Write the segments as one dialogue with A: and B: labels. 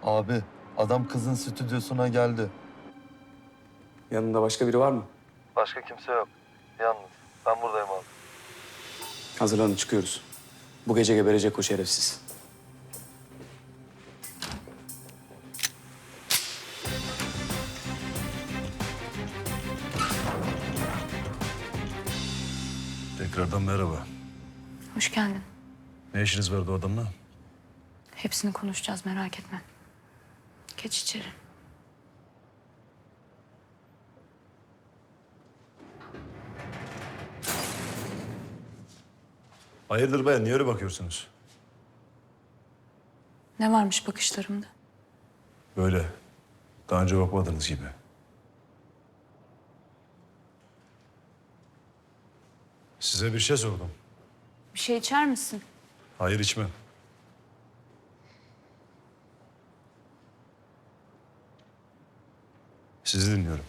A: Abi, adam kızın stüdyosuna geldi.
B: Yanında başka biri var mı?
A: Başka kimse yok. Yalnız. Ben buradayım abi.
B: Hazırlanın, çıkıyoruz. Bu gece geberecek o şerefsiz.
C: Tekrardan merhaba.
D: Hoş geldin.
C: Ne işiniz vardı o adamla?
D: Hepsini konuşacağız, merak etme. Geç içeri.
C: Hayırdır bayan, niye öyle bakıyorsunuz?
D: Ne varmış bakışlarımda?
C: Böyle. Daha önce bakmadığınız gibi. Size bir şey sordum.
D: Bir şey içer misin?
C: Hayır, içmem. Sizi dinliyorum.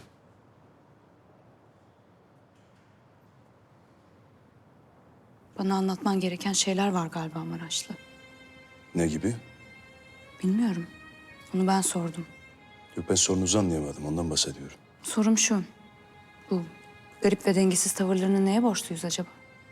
D: Bana anlatman gereken şeyler var galiba Maraşlı.
E: Ne gibi?
D: Bilmiyorum. Onu ben sordum.
E: Yok, ben sorunuzu anlayamadım. Ondan bahsediyorum.
D: Sorum şu. Bu garip ve dengesiz tavırlarını neye borçluyuz acaba?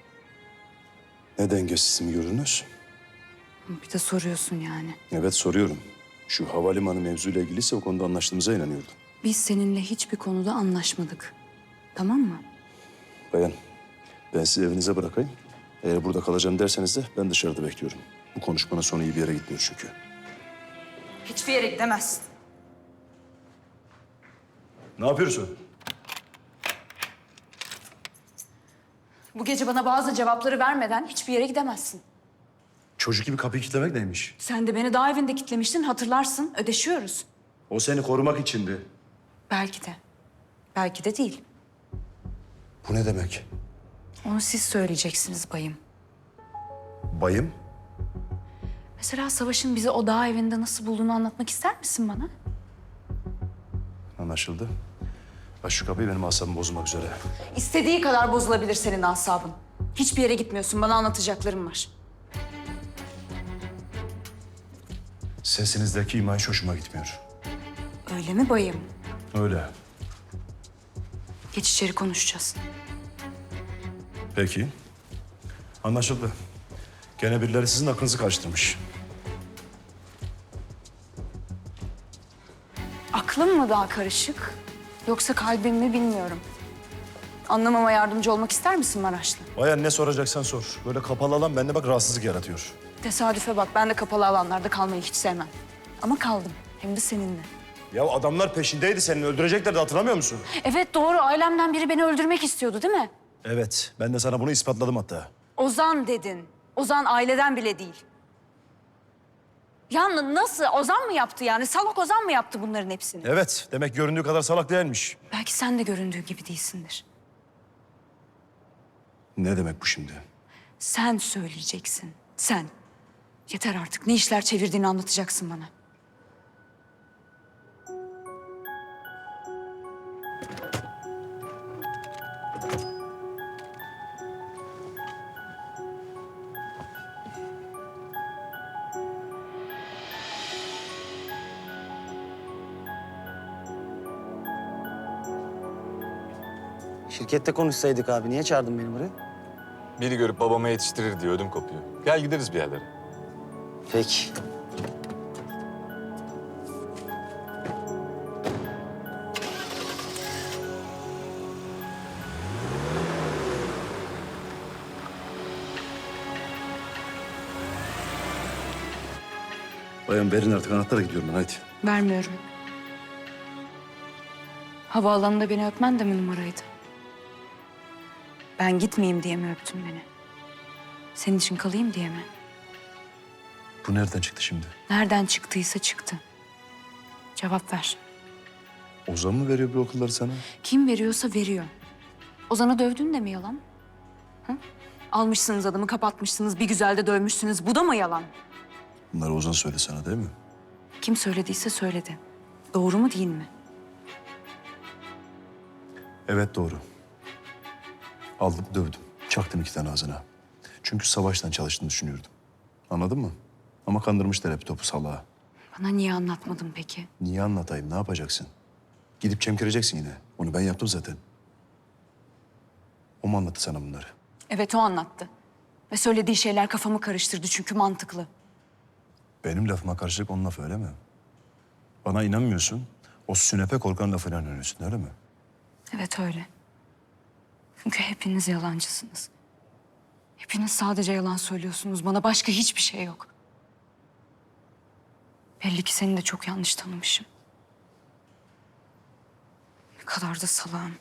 E: Ne dengesiz mi görünüz?
D: Bir de soruyorsun yani.
E: Evet, soruyorum. Şu havalimanı mevzuyla ilgiliyse o konuda anlaştığımıza inanıyordum.
D: Biz seninle hiçbir konuda anlaşmadık. Tamam mı?
E: Bayan, ben sizi evinize bırakayım. Eğer burada kalacağım derseniz de ben dışarıda bekliyorum. Bu konuşmanın sonu iyi bir yere gitmiyor çünkü.
D: Hiçbir yere gidemezsin.
C: Ne yapıyorsun?
D: Bu gece bana bazı cevapları vermeden hiçbir yere gidemezsin.
C: Çocuk gibi kapıyı kilitlemek neymiş?
D: Sen de beni daha evinde kitlemiştin, hatırlarsın. Ödeşiyoruz.
C: O seni korumak içindi.
D: Belki de. Belki de değil.
C: Bu ne demek?
D: Onu siz söyleyeceksiniz bayım.
C: Bayım?
D: Mesela Savaş'ın bizi o dağ evinde nasıl bulduğunu anlatmak ister misin bana?
E: Anlaşıldı. Aç şu kapıyı, benim asabımı bozulmak üzere.
D: İstediği kadar bozulabilir senin asabın. Hiçbir yere gitmiyorsun. Bana anlatacaklarım var.
C: Sesinizdeki iman hiç hoşuma gitmiyor.
D: Öyle mi bayım?
C: Öyle.
D: Geç içeri konuşacağız.
C: Peki. Anlaşıldı. Gene birileri sizin aklınızı karıştırmış.
D: Aklım mı daha karışık? Yoksa kalbim mi bilmiyorum. Anlamama yardımcı olmak ister misin Maraşlı?
C: Bayan, ne soracaksan sor. Böyle kapalı alan bende bak rahatsızlık yaratıyor.
D: Tesadüfe bak. Ben de kapalı alanlarda kalmayı hiç sevmem. Ama kaldım. Hem de seninle.
C: Ya adamlar peşindeydi, seni öldüreceklerdi, hatırlamıyor musun?
D: Evet doğru. Ailemden biri beni öldürmek istiyordu değil mi?
C: Evet, ben de sana bunu ispatladım hatta.
D: Ozan dedin. Ozan aileden bile değil. Ya nasıl? Ozan mı yaptı yani? Salak Ozan mı yaptı bunların hepsini?
C: Evet, demek göründüğü kadar salak değilmiş.
D: Belki sen de göründüğü gibi değilsindir.
E: Ne demek bu şimdi?
D: Sen söyleyeceksin. Sen. Yeter artık. Ne işler çevirdiğini anlatacaksın bana.
F: Şirkette konuşsaydık abi. Niye çağırdın beni buraya?
G: Biri görüp babama yetiştirir diye ödüm kopuyor. Gel gideriz bir yerlere.
F: Peki.
E: Bayan, verin artık anahtarla gidiyorum ben, hadi.
D: Vermiyorum. Havaalanında beni öpmen de mi numaraydı? Ben gitmeyeyim diye mi öptün beni? Senin için kalayım diye mi?
E: Bu nereden çıktı şimdi?
D: Nereden çıktıysa çıktı. Cevap ver.
E: Ozan mı veriyor bu okulları sana?
D: Kim veriyorsa veriyor. Ozan'ı dövdün de mi yalan? Hı? Almışsınız adamı, kapatmışsınız, bir güzel de dövmüşsünüz. Bu da mı yalan?
E: Bunları Ozan söyledi sana değil mi?
D: Kim söylediyse söyledi. Doğru mu değil mi?
E: Evet, doğru. Aldım, dövdüm. Çaktım 2 tane ağzına. Çünkü Savaş'tan çalıştığını düşünüyordum. Anladın mı? Ama kandırmışlar hep topu salağa.
D: Bana niye anlatmadın peki?
E: Niye anlatayım? Ne yapacaksın? Gidip çemkireceksin yine. Onu ben yaptım zaten. O mu anlattı sana bunları?
D: Evet, o anlattı. Ve söylediği şeyler kafamı karıştırdı çünkü mantıklı.
E: Benim lafıma karşılık onun lafı öyle mi? Bana inanmıyorsun. O sünepe korkan lafına inanıyorsun öyle mi?
D: Evet, öyle. Çünkü hepiniz yalancısınız. Hepiniz sadece yalan söylüyorsunuz. Bana başka hiçbir şey yok. Belli ki seni de çok yanlış tanımışım. Ne kadar da salağım.